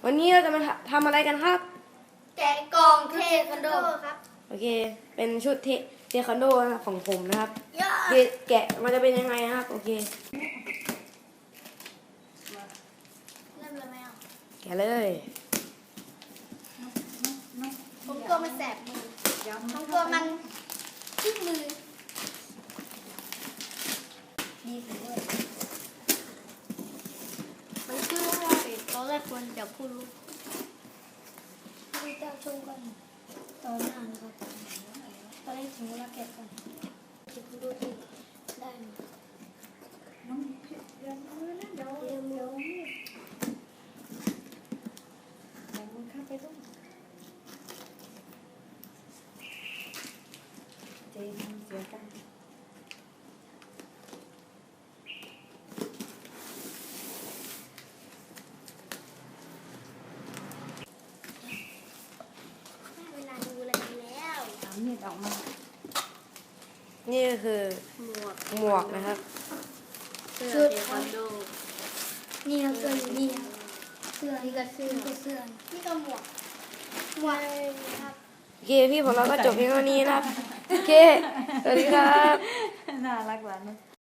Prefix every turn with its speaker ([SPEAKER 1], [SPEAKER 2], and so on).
[SPEAKER 1] วันนี้เราจะมาทำอะไรกันครับ
[SPEAKER 2] แกะกล่องเทควันโดครับ
[SPEAKER 1] โอเคเป็นชุดเทควันโดของผมนะครับ
[SPEAKER 2] ย่า
[SPEAKER 1] แกะมันจะเป็นยังไงนะครับโอเค
[SPEAKER 2] เริ่มเลยไหมอ่ะ
[SPEAKER 1] แกะเลย
[SPEAKER 2] ผมกลัวมันแสบมือผมกลัวมันขึ้นมือดีสุดเลยมันขึ้นว่าตอนแรกควรจะพูดลูกพี่เจ้าชมก่อนตอนหน้านะครับตอนแรกถึงเวลาแกะก่อนจะพูดดูที่ได้ไหมเดี๋ยวมันเข้าไปต้อง
[SPEAKER 3] เจ๊ทำเสียกัน
[SPEAKER 2] เวลาดูอะไรแล้ว
[SPEAKER 3] เอามีดออกมา
[SPEAKER 1] นี่ก็คือหมวกนะครับ
[SPEAKER 2] ชุดเทควันโดนี่ครับเสื้ออยู่นี่ครับเสื้อนี่ก็เสื้อนี่ก็หมวกครับ
[SPEAKER 1] โอเคพี่ผมเราก็จบเพียงเท่านี้นะครับโอเคสวัสดีครับ
[SPEAKER 3] น่ารักหวานนะ